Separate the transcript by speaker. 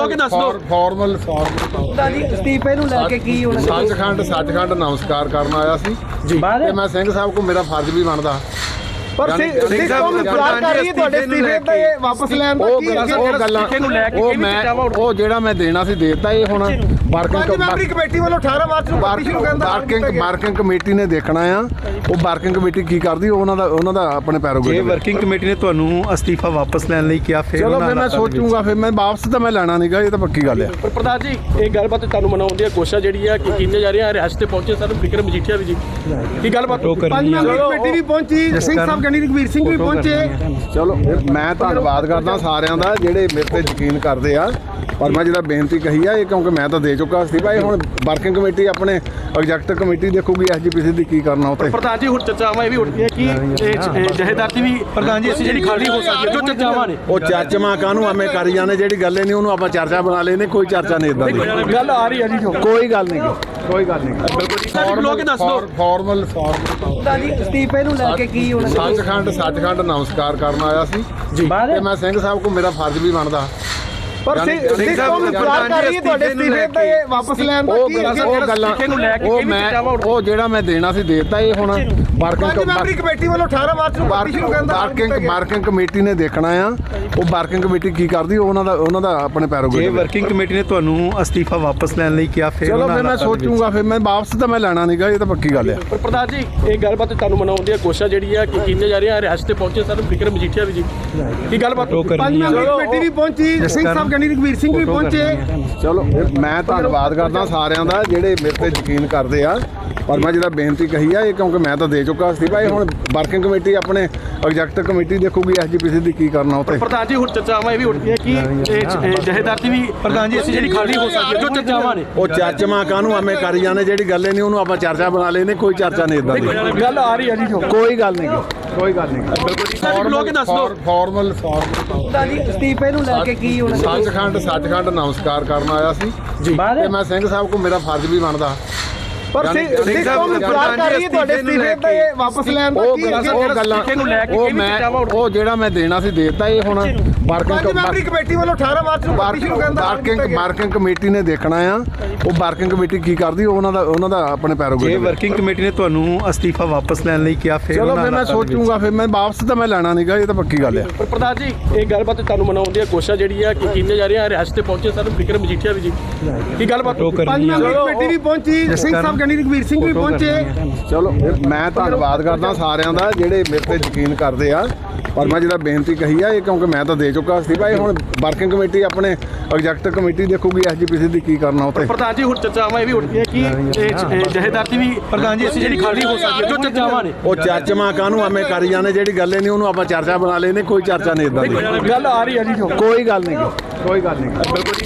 Speaker 1: ਖਲੋ ਕੇ ਦੱਸ ਦਿਓ।
Speaker 2: ਫਾਰਮਲ
Speaker 3: ਅਸਤੀਫੇ ਨੂੰ ਲੈ ਕੇ ਕੀ ਹੋਣਾ?
Speaker 2: ਸੱਚਖੰਡ ਨਮਸਕਾਰ ਕਰਨ ਆਇਆ ਸੀ
Speaker 1: ਜੀ
Speaker 2: ਤੇ ਮੈਂ ਸਿੰਘ ਸਾਹਿਬ ਕੋ ਮੇਰਾ ਫਰਜ਼ ਵੀ ਬਣਦਾ
Speaker 3: ਪਰ ਸਿੰਘ ਸਾਹਿਬ ਇਤਰਾਜ਼ ਕਰ ਰਹੀ ਹੈ ਤੁਹਾਡੇ ਅਸਤੀਫੇ ਤੇ ਵਾਪਸ ਲੈਣ ਦਾ ਕੀ
Speaker 2: ਉਹ ਗੱਲਾਂ ਉਹ ਜਿਹੜਾ ਮੈਂ ਦੇਣਾ ਸੀ ਦੇਤਾ। ਇਹ ਹੁਣ
Speaker 3: ਮੈਂਬਰੀ ਕਮੇਟੀ ਵੱਲੋਂ 18 ਮਾਰਚ ਨੂੰ ਪਾਰਟੀ ਸ਼ੁਰੂ ਕਰਨ ਦਾ
Speaker 2: ਵਰਕਿੰਗ ਕਮੇਟੀ ਨੇ ਦੇਖਣਾ ਆ। ਉਹ ਵਰਕਿੰਗ ਕਮੇਟੀ ਕੀ ਕਰਦੀ ਉਹਨਾਂ ਦਾ ਆਪਣੇ ਪੈਰੋਗੇ।
Speaker 1: ਜੇ ਵਰਕਿੰਗ ਕਮੇਟੀ ਨੇ ਤੁਹਾਨੂੰ ਅਸਤੀਫਾ ਵਾਪਸ ਲੈਣ ਲਈ ਕਿਹਾ ਫਿਰ
Speaker 2: ਚਲੋ ਫਿਰ ਮੈਂ ਸੋਚੂਗਾ। ਫਿਰ ਮੈਂ ਵਾਪਸ ਤਾਂ ਮੈਂ ਲੈਣਾ ਨਹੀਂਗਾ, ਇਹ ਤਾਂ ਪੱਕੀ ਗੱਲ ਆ।
Speaker 4: ਪਰ ਪ੍ਰਧਾਨ ਜੀ ਇਹ ਗੱਲਬਾਤ ਤੁਹਾਨੂੰ ਮਨਾਉਣ ਦੀ ਕੋਸ਼ਿਸ਼ ਜਿਹੜੀ ਆ ਕਿ ਕੀਤੇ ਜਾ ਰਿਹਾ ਰਿਹਾਸਤ ਤੇ ਪਹੁੰਚੇ ਸਰ ਵਿਕਰਮ ਮਜੀਠੀਆ ਵੀ ਜੀ ਕੀ ਗੱਲਬਾਤ?
Speaker 3: ਪੰਜ ਮੈਂਬਰੀ ਕਮੇਟੀ ਵੀ ਪਹੁੰਚੀ, ਸਿੰਘ ਸਾਹਿਬ ਗਣੀ ਰਘਵੀਰ ਸਿੰਘ ਵੀ ਪਹੁੰਚੇ।
Speaker 2: ਚਲੋ ਮੈਂ ਧੰਨਵਾਦ ਕਰਦਾ ਸਾਰਿਆਂ ਦਾ ਜਿਹੜੇ ਮੇਰੇ ਤੇ ਯਕੀਨ ਕਰਦੇ ਆ। ਪਰ ਮੈਂ ਜਿਹੜਾ ਬੇਨਤੀ ਕਹੀ ਆ ਇਹ ਕਿਉਂਕਿ ਮੈਂ ਤਾਂ ਦੇ ਚੁੱਕਾ ਸੀ ਭਾਈ। ਹੁਣ ਵਰਕਿੰਗ ਕਮੇਟੀ ਆਪਣੇ ਐਗਜ਼ੈਕਟਿਵ ਕਮੇਟੀ ਦੇਖੂਗੀ ਐਸਜੀਪੀਸੀ ਦੀ ਕੀ ਕਰਨਾ ਉੱਤੇ।
Speaker 4: ਪ੍ਰਧਾਨ ਜੀ ਹੁਣ ਚਰਚਾਵਾਂ ਇਹ ਵੀ ਉੱਠਦੀਆਂ ਕਿ ਜਹੇਦਾਰ ਦੀ ਵੀ ਪ੍ਰਧਾਨ ਜੀ ਅਸੀਂ ਜਿਹੜੀ ਖਾਲੀ ਹੋ ਸਕਦੀ ਹੈ ਜੋ ਚਰਚਾਵਾਂ ਨੇ
Speaker 2: ਉਹ ਚਰਚਾਵਾਂ ਕਾਹਨੂੰ ਐਵੇਂ ਕਰੀ ਜਾਂਦੇ। ਜਿਹੜੀ ਗੱਲ ਨਹੀਂ ਉਹਨੂੰ ਆਪਾਂ ਚਰਚਾ ਬਣਾ ਲੈਨੇ। ਕੋਈ ਚਰਚਾ ਨਹੀਂ ਇਦਾਂ ਦੀ
Speaker 4: ਗੱਲ ਆ ਰਹੀ ਹੈ ਜੀ।
Speaker 2: ਕੋਈ ਗੱਲ ਨਹੀਂ ਕੋਈ ਗੱਲ ਨਹੀਂ।
Speaker 4: ਖਲੋ ਕੇ ਦੱਸ ਦਿਓ।
Speaker 2: ਫਾਰਮਲ
Speaker 3: ਅਸਤੀਫੇ ਨੂੰ ਲੈ ਕੇ ਕੀ ਹੋਣਾ?
Speaker 2: ਸੱਚਖੰਡ ਨਮਸਕਾਰ ਕਰਨ ਆਇਆ ਸੀ ਜੀ ਤੇ ਮੈਂ ਸਿੰਘ ਸਾਹਿਬ ਕੋ ਮੇਰਾ ਫਰਜ਼ ਵੀ ਬਣਦਾ।
Speaker 3: ਪਰ ਸਿੰਘ ਸਾਹਿਬ ਇਤਰਾਜ਼ ਕਰ ਰਹੀ ਹੈ ਤੁਹਾਡੇ ਅਸਤੀਫੇ ਤੇ ਵਾਪਸ ਲੈਣ ਦਾ ਕੀ
Speaker 2: ਉਹ ਜਿਹੜਾ ਮੈਂ ਦੇਣਾ ਸੀ ਦੇਤਾ। ਇਹ ਹੁਣ
Speaker 3: ਮੈਂਬਰੀ ਕਮੇਟੀ ਵੱਲੋਂ 18 ਮਾਰਚ ਨੂੰ ਪਾਰਟੀ ਸ਼ੁਰੂ ਕਰਨ ਦਾ
Speaker 2: ਵਰਕਿੰਗ ਕਮੇਟੀ ਨੇ ਦੇਖਣਾ ਆ। ਉਹ ਵਰਕਿੰਗ ਕਮੇਟੀ ਕੀ ਕਰਦੀ ਉਹਨਾਂ ਦਾ ਆਪਣੇ ਪੈਰੋਗੇ।
Speaker 1: ਜੇ ਵਰਕਿੰਗ ਕਮੇਟੀ ਨੇ ਤੁਹਾਨੂੰ ਅਸਤੀਫਾ ਵਾਪਸ ਲੈਣ ਲਈ ਕਿਹਾ ਫਿਰ
Speaker 2: ਚਲੋ ਫਿਰ ਮੈਂ ਸੋਚੂਗਾ। ਫਿਰ ਮੈਂ ਵਾਪਸ ਤਾਂ ਮੈਂ ਲੈਣਾ ਨਹੀਂਗਾ, ਇਹ ਤਾਂ ਪੱਕੀ ਗੱਲ ਆ।
Speaker 4: ਪਰ ਪ੍ਰਧਾਨ ਜੀ ਇਹ ਗੱਲਬਾਤ ਤੁਹਾਨੂੰ ਮਨਾਉਣ ਦੀ ਕੋਸ਼ਿਸ਼ ਜਿਹੜੀ ਆ ਕਿ ਕੀਤੇ ਜਾ ਰਿਹਾ ਰਿਹਾਸਤ ਤੇ ਪਹੁੰਚੇ ਸਰ ਵਿਕਰਮ ਮਜੀਠੀਆ ਵੀ ਜੀ ਕੀ ਗੱਲਬਾਤ?
Speaker 3: ਪੰਜ ਮੈਂਬਰੀ ਕਮੇਟੀ ਵੀ ਪਹੁੰਚੀ, ਸਿੰਘ ਸਾਹਿਬ ਗਣੀ ਰਘਵੀਰ ਸਿੰਘ ਵੀ ਪਹੁੰਚੇ।
Speaker 2: ਚਲੋ ਮੈਂ ਧੰਨਵਾਦ ਕਰਦਾ ਸਾਰਿਆਂ ਦਾ ਜਿਹੜੇ ਮੇਰੇ ਤੇ ਯਕੀਨ ਕਰਦੇ ਆ। ਪਰ ਮੈਂ ਜਿਹੜਾ ਬੇਨਤੀ ਕਹੀ ਆ ਇਹ ਕਿਉਂਕਿ ਮੈਂ ਤਾਂ ਦੇ ਚੁੱਕਾ ਸੀ ਭਾਈ। ਹੁਣ ਵਰਕਿੰਗ ਕਮੇਟੀ ਆਪਣੇ ਐਗਜ਼ੈਕਟਿਵ ਕਮੇਟੀ ਦੇਖੂਗੀ ਐਸਜੀਪੀਸੀ ਦੀ ਕੀ ਕਰਨਾ ਉੱਤੇ।
Speaker 4: ਪ੍ਰਧਾਨ ਜੀ ਹੁਣ ਚਰਚਾਵਾਂ ਇਹ ਵੀ ਉੱਠਦੀਆਂ ਕਿ ਜਹੇਦਾਰ ਦੀ ਵੀ ਪ੍ਰਧਾਨ ਜੀ ਅਸੀਂ ਜਿਹੜੀ ਖਾਲੀ ਹੋ ਸਕਦੀ ਹੈ ਜੋ ਚਰਚਾਵਾਂ ਨੇ
Speaker 2: ਉਹ ਚਰਚਾਵਾਂ ਕਾਹਨੂੰ ਐਵੇਂ ਕਰੀ ਜਾਂਦੇ। ਜਿਹੜੀ ਗੱਲ ਨਹੀਂ ਉਹਨੂੰ ਆਪਾਂ ਚਰਚਾ ਬਣਾ ਲੈਨੇ। ਕੋਈ ਚਰਚਾ ਨਹੀਂ ਇਦਾਂ ਦੀ
Speaker 4: ਗੱਲ ਆ ਰਹੀ ਹੈ ਜੀ।
Speaker 2: ਕੋਈ ਗੱਲ ਨਹੀਂ ਕੋਈ ਗੱਲ ਨਹੀਂ।
Speaker 4: ਖਲੋ ਕੇ ਦੱਸ ਦਿਓ।
Speaker 2: ਫਾਰਮਲ
Speaker 3: ਅਸਤੀਫੇ ਨੂੰ ਲੈ ਕੇ ਕੀ ਹੋਣਾ?
Speaker 2: ਸੱਚਖੰਡ ਨਮਸਕਾਰ ਕਰਨ ਆਇਆ ਸੀ ਜੀ ਤੇ ਮੈਂ ਸਿੰਘ ਸਾਹਿਬ ਕੋ ਮੇਰਾ ਫਰਜ਼ ਵੀ ਬਣਦਾ।
Speaker 3: ਪਰ ਸਿੰਘ ਸਾਹਿਬ ਇਤਰਾਜ਼ ਕਰ ਰਹੀ ਹੈ ਤੁਹਾਡੇ ਅਸਤੀਫੇ ਤੇ ਵਾਪਸ ਲੈਣ ਦਾ ਕੀ
Speaker 2: ਉਹ ਗੱਲਾਂ ਉਹ ਜਿਹੜਾ ਮੈਂ ਦੇਣਾ ਸੀ ਦੇਤਾ। ਇਹ ਹੁਣ
Speaker 3: ਮੈਂਬਰੀ ਕਮੇਟੀ ਵੱਲੋਂ 18 ਮਾਰਚ ਨੂੰ ਪਾਰਟੀ ਸ਼ੁਰੂ ਕਰਨ ਦਾ
Speaker 2: ਵਰਕਿੰਗ ਕਮੇਟੀ ਨੇ ਦੇਖਣਾ ਆ। ਉਹ ਵਰਕਿੰਗ ਕਮੇਟੀ ਕੀ ਕਰਦੀ ਉਹਨਾਂ ਦਾ ਆਪਣੇ ਪੈਰੋਗੇ।
Speaker 1: ਜੇ ਵਰਕਿੰਗ ਕਮੇਟੀ ਨੇ ਤੁਹਾਨੂੰ ਅਸਤੀਫਾ ਵਾਪਸ ਲੈਣ ਲਈ ਕਿਹਾ ਫਿਰ
Speaker 2: ਚਲੋ ਫਿਰ ਮੈਂ ਸੋਚੂਗਾ। ਫਿਰ ਮੈਂ ਵਾਪਸ ਤਾਂ ਮੈਂ ਲੈਣਾ ਨਹੀਂਗਾ, ਇਹ ਤਾਂ ਪੱਕੀ ਗੱਲ ਆ।
Speaker 4: ਪਰ ਪ੍ਰਧਾਨ ਜੀ ਇਹ ਗੱਲਬਾਤ ਤੁਹਾਨੂੰ ਮਨਾਉਣ ਦੀ ਕੋਸ਼ਿਸ਼ ਜਿਹੜੀ ਆ ਕਿ ਕੀਤੇ ਜਾ ਰਿਹਾ ਰਿਹਾਸਤ ਤੇ ਪਹੁੰਚੇ ਸਰ ਵਿਕਰਮ ਮਜੀਠੀਆ ਵੀ ਜੀ ਕੀ ਗੱਲਬਾਤ?
Speaker 3: ਪੰਜ ਮੈਂਬਰੀ ਕਮੇਟੀ ਵੀ ਪਹੁੰਚੀ, ਸਿੰਘ ਸਾਹਿਬ ਗਣੀ ਰਘਵੀਰ ਸਿੰਘ ਵੀ ਪਹੁੰਚੇ।
Speaker 2: ਚਲੋ ਮੈਂ ਧੰਨਵਾਦ ਕਰਦਾ ਸਾਰਿਆਂ ਦਾ ਜਿਹੜੇ ਮੇਰੇ ਤੇ ਯਕੀਨ ਕਰਦੇ ਆ। ਪਰ ਮੈਂ ਜਿਹੜਾ ਬੇਨਤੀ ਕਹੀ ਆ ਇਹ ਕਿਉਂਕਿ ਮੈਂ ਤਾਂ ਦੇ ਚੁੱਕਾ ਸੀ ਭਾਈ। ਹੁਣ ਵਰਕਿੰਗ ਕਮੇਟੀ ਆਪਣੇ ਐਗਜ਼ੈਕਟਿਵ ਕਮੇਟੀ ਦੇਖੂਗੀ ਐਸਜੀਪੀਸੀ ਦੀ ਕੀ ਕਰਨਾ ਉੱਤੇ।
Speaker 4: ਪ੍ਰਧਾਨ ਜੀ ਹੁਣ ਚਰਚਾਵਾਂ ਇਹ ਵੀ ਉੱਠਦੀਆਂ ਕਿ ਜਹੇਦਾਰ ਦੀ ਵੀ ਪ੍ਰਧਾਨ ਜੀ ਅਸੀਂ ਜਿਹੜੀ ਖਾਲੀ ਹੋ ਸਕਦੀ ਹੈ ਜੋ ਚਰਚਾਵਾਂ ਨੇ
Speaker 2: ਉਹ ਚਰਚਾਵਾਂ ਕਾਹਨੂੰ ਐਵੇਂ ਕਰੀ ਜਾਂਦੇ। ਜਿਹੜੀ ਗੱਲ ਨਹੀਂ ਉਹਨੂੰ ਆਪਾਂ ਚਰਚਾ ਬਣਾ ਲੈਨੇ। ਕੋਈ ਚਰਚਾ ਨਹੀਂ ਇਦਾਂ ਦੀ
Speaker 4: ਗੱਲ ਆ ਰਹੀ ਹੈ ਜੀ।
Speaker 2: ਕੋਈ ਗੱਲ ਨਹੀਂ ਕੋਈ ਗੱਲ ਨਹੀਂ।